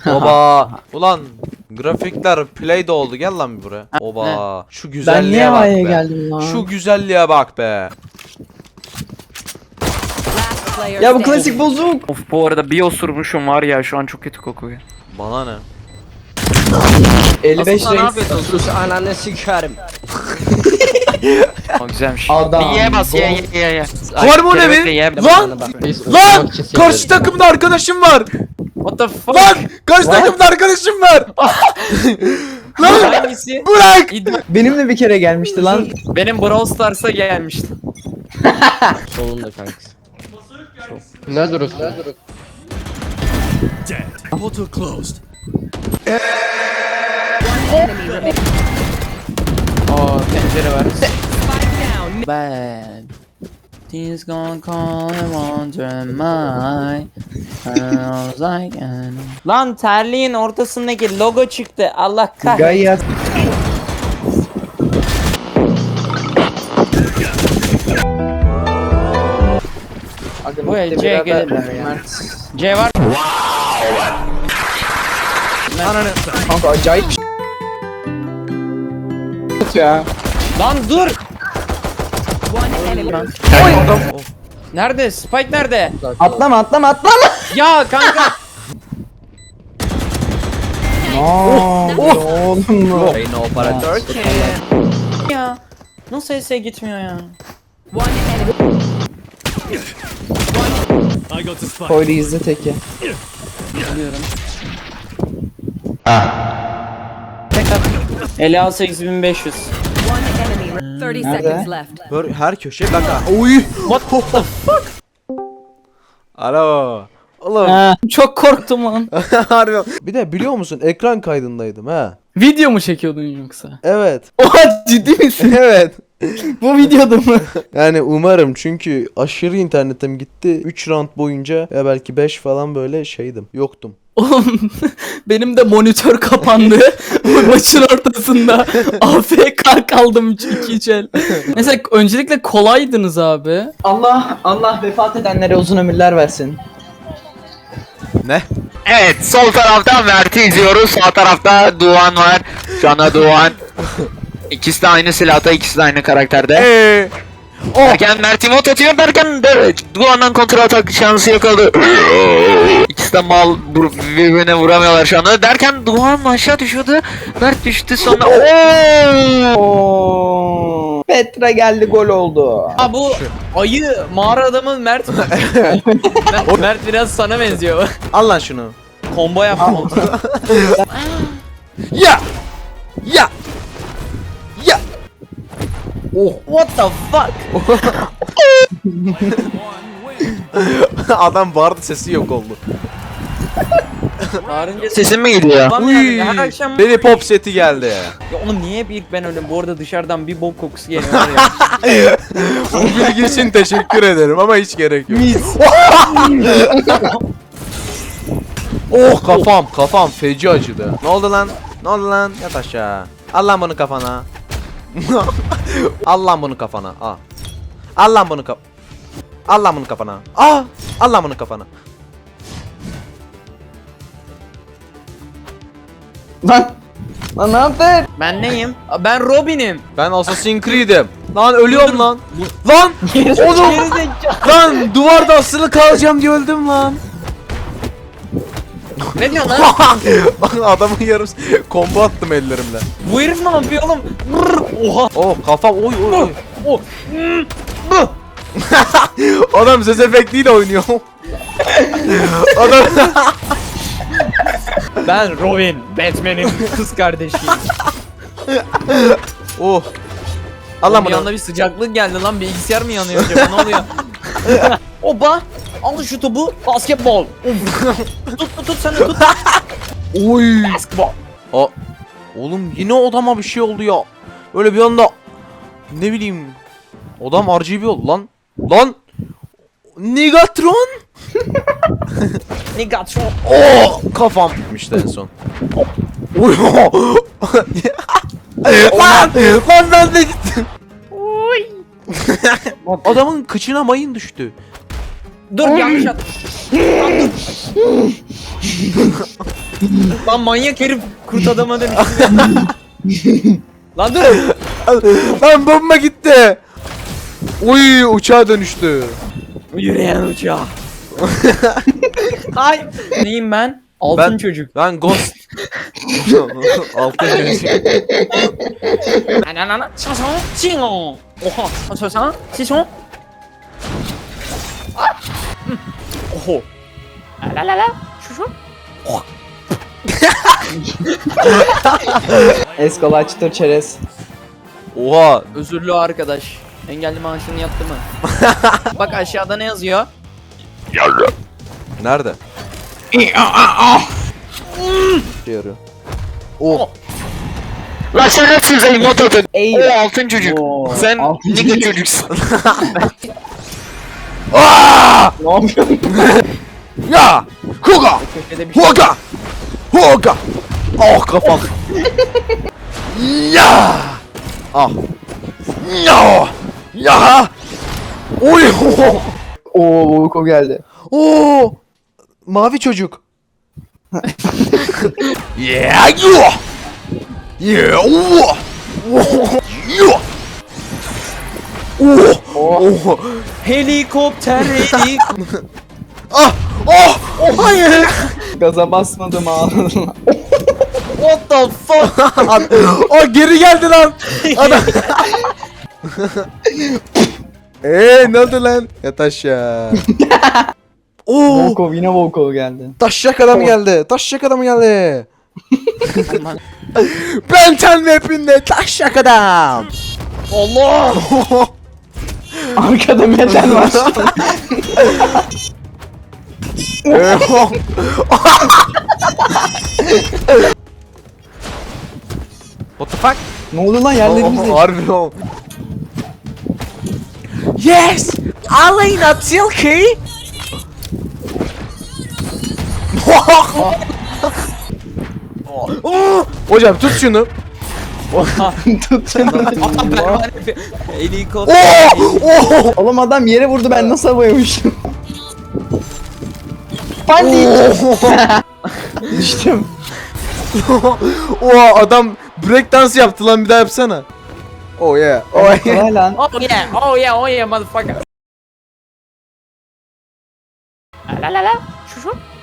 Oba. Ulan grafikler play de oldu. Gel lan bir buraya. Oba. Şu Ben güzelliğe niye bak havaya be. geldim lan? Şu güzelliğe bak be. Ya bu klasik bozuk. Of, bu arada bir osurmuşum var ya, şu an çok kötü kokuyor. Bana ne? 55 Aslında ne renk. yapıyorsun? Sus ananı sikerim. Aa, güzelmiş. Adam. Ye bas, ye. Harmoni mi? Lan! Lan! Karşı takımda arkadaşım var. What the fuck? Lan! Karşı takımda arkadaşım var. Lan! Hangisi? Bırak! Benimle bir kere gelmişti lan. Benim Brawl Stars'a gelmişti. Solunda kankası. Ne duruyorsun? Aa, pencere var. Bad. He's gonna call him on my. I was like, lan terliğin ortasındaki logo çıktı. Allah kahretsin. Gayet. Bu el C'ye gelirler ya. C var. Ananı. Kanka acayip bir şey ya. Lan dur. Nerede? Spike nerede? Atlama. Ya kanka. Oğlum. Reyna operatör. Ya. Nasıl S'e gitmiyor ya? Koydu izle teki. Biliyorum. Ela 8500. 30 Nerede? seconds left. Böyle her köşe bak ha. Oy. What the fuck? Alo. Oğlum. Çok korktum lan. Harbi. Bir de biliyor musun ekran kaydındaydım ha. Video mu çekiyordun yoksa? Evet. Oha, ciddi misin? Evet. Bu videoda mı? Yani umarım, çünkü aşırı internetim gitti. 3 round boyunca ya belki 5 falan böyle şeydim. Yoktum. Oğlum benim de monitör kapandı. Maçın ortasında. AFK kaldım 2 el. Mesela öncelikle kolaydınız abi. Allah vefat edenlere uzun ömürler versin. Ne? Evet, sol tarafta Mert'i izliyoruz. Sağ tarafta Doğan var. Şu anda Doğan. İkisi de aynı silahta, ikisi de aynı karakterde. Derken Mert emot atıyor derken de Doğan'dan kontra atak şansı yakaladı. İkisi de mal, birbirine vuramıyorlar şu anda. Derken Doğan aşağı düşüyordu. Mert düştü sonra. Petra geldi, gol oldu. Aa, bu ayı mağara adamı Mert mi? Mert biraz sana benziyor. Al lan şunu. Combo yaptım. Ya! Ya! Ya! Oh, what the fuck? Adam bağırdı, sesi yok oldu. Bağırınca sesim mi geliyor? Uy, Her akşam... beni pop seti geldi. Ya oğlum niye hep ilk ben öyle? Bu arada dışarıdan bir bok kokusu geliyor ya. Bu bilgi için teşekkür ederim ama hiç gerek yok. Oh, kafam feci acıdı. Ne oldu lan? Yat aşağı. Al lan bunu kafana. Al lan bunu kafana. Al lan bunu Al lan bunu kafana. Al lan bunu kafana. Lan ne yaptın? Ben neyim? Ben Robin'im. Ben Assassin's Creed'im. Lan ölüyorum lan. Lan oğlum. Lan duvarda asılı kalacağım diye öldüm lan. Ne diyorsun lan? Adamın yarım combo attım ellerimle. Bu herif ne yapıyor oğlum? Brr, oha. Oh kafam oy. Oh. Adam ses efektiyle oynuyor. Adam Ben Robin, Batman'in kız kardeşiyim. oh. Allah Bir bunu. anda bir sıcaklık geldi lan, bilgisayar mı yanıyor acaba, ne oluyor? Oba! Al şu topu, basketbol. Tut sen de tut. Oy. Basketbol. Oğlum yine odama bir şey oldu ya. Öyle bir anda ne bileyim. Odam RGB oldu lan. Lan. Nigatron. Nigatron. Oh kafam gitmişti en son. Oy. Lan ben de gittim. Oy. Adamın kıçına mayın düştü. Dur yanlış at. Lan manyak herif kurt adama dönüştü. Lan dur. Lan bomba gitti. Uy uçağa dönüştü. Yürüyen uçağı. Ay. Neyim ben? Altın Ben- çocuk. Ben Ghost. Altın çocuk. Ananana. Şaşon. Çingo. Oha. Şaşon. Şaşon. Oho. La la la. Şaşon. Eskolay çıtır çerez. Oha. Özürlü arkadaş. Engelli maaşını yattı mı? Bak aşağıda ne yazıyor? Nerede? Yarıyor. Oh. Lan sen hepsin sen mototu. Ey. O altın çocuk. Oo, Sen altın nigga çocuk. çocuksun. Ne yapıyorsun? Ya! Huga! Köşede bir şey. Huga! Huga! Oh kafam. Ya! Ah. Ya! Ya! Oy! Oo Volko geldi. Oo! Mavi çocuk. Yeah! You! Yeah! Oh! You! Oh! Oh! Helikopter helik. Ah! Oh! Oh! Hayır! Gaza basmadım ağladım. What the fuck? O geri geldi lan. Adam. Ne oldu lan? Yat aşağı. Oo! Volko yine Volko geldi. Taşacak adam geldi. Taşacak adam geldi. Benten mapinde taşacak adam. Allah. Arkada metal var. What the fuck? Ne oldu lan yerlerimizde? Harbi o. Yes! Aleyna Tilki! Hocam tut şunu. Tut şunu. Helikopter. Oh! Oğlum adam yere vurdu ben nasıl havaya uçtum? Pandik. Düştüm. Oha adam break dance yaptı lan bir daha yapsana. Oh yeah. Oh yeah. Kolay lan. Oh yeah. Oh yeah. Oh yeah motherfucker. La la la. Şu şu.